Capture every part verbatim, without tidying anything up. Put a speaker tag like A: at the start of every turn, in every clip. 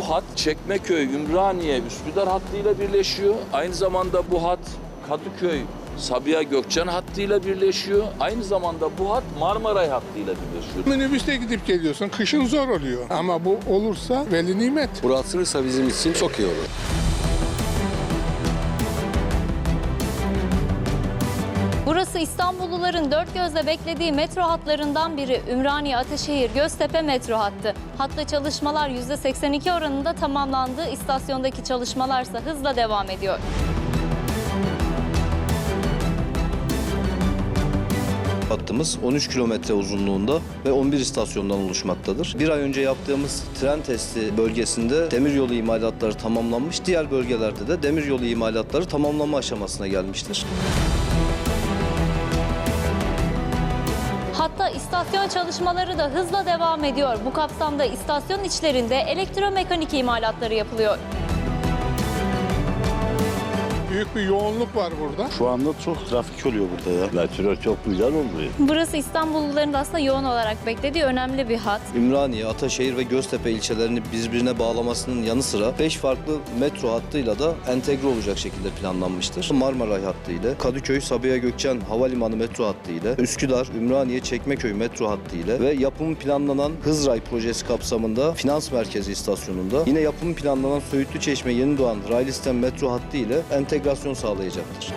A: Bu hat Çekmeköy, Ümraniye, Üsküdar hattıyla birleşiyor. Aynı zamanda bu hat Kadıköy, Sabiha Gökçen hattıyla birleşiyor. Aynı zamanda bu hat Marmaray hattıyla birleşiyor.
B: Minibüste gidip geliyorsun. Kışın zor oluyor. Ama bu olursa veli nimet.
C: Burası açılırsa bizim için çok iyi olur.
D: Burası İstanbulluların dört gözle beklediği metro hatlarından biri Ümraniye Ataşehir Göztepe metro hattı. Hatta çalışmalar yüzde seksen iki oranında tamamlandı. İstasyondaki çalışmalarsa hızla devam ediyor.
E: Hattımız on üç kilometre uzunluğunda ve on bir istasyondan oluşmaktadır. Bir ay önce yaptığımız tren testi bölgesinde demiryolu imalatları tamamlanmış, diğer bölgelerde de demiryolu imalatları tamamlanma aşamasına gelmiştir.
D: Hatta istasyon çalışmaları da hızla devam ediyor. Bu kapsamda istasyon içlerinde elektromekanik imalatları yapılıyor.
B: Büyük bir yoğunluk var burada.
F: Şu anda çok trafik oluyor burada ya. Metro çok güzel oluyor.
D: Burası İstanbulluların da aslında yoğun olarak beklediği önemli bir hat.
E: Ümraniye, Ataşehir ve Göztepe ilçelerini birbirine bağlamasının yanı sıra beş farklı metro hattıyla da entegre olacak şekilde planlanmıştır. Marmaray hattı ile, Kadıköy, Sabiha Gökçen Havalimanı metro hattı ile, Üsküdar, Ümraniye, Çekmeköy metro hattı ile ve yapımı planlanan Hızray projesi kapsamında Finans Merkezi istasyonunda, yine yapımı planlanan Söğütlü Çeşme Yenidoğan raylı sistem metro hattı ile entegrasyon sağlayacaktır.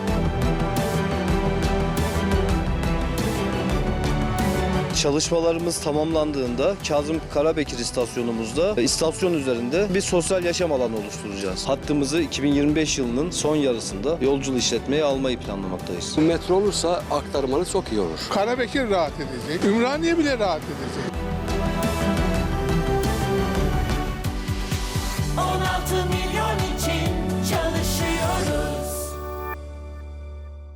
E: Çalışmalarımız tamamlandığında Kazım Karabekir istasyonumuzda istasyon üzerinde bir sosyal yaşam alanı oluşturacağız. Hattımızı iki bin yirmi beş yılının son yarısında yolculu işletmeye almayı planlamaktayız.
C: Bu metro olursa aktarmalı çok iyi olur.
B: Karabekir rahat edecek. Ümraniye bile rahat edecek.
G: on altı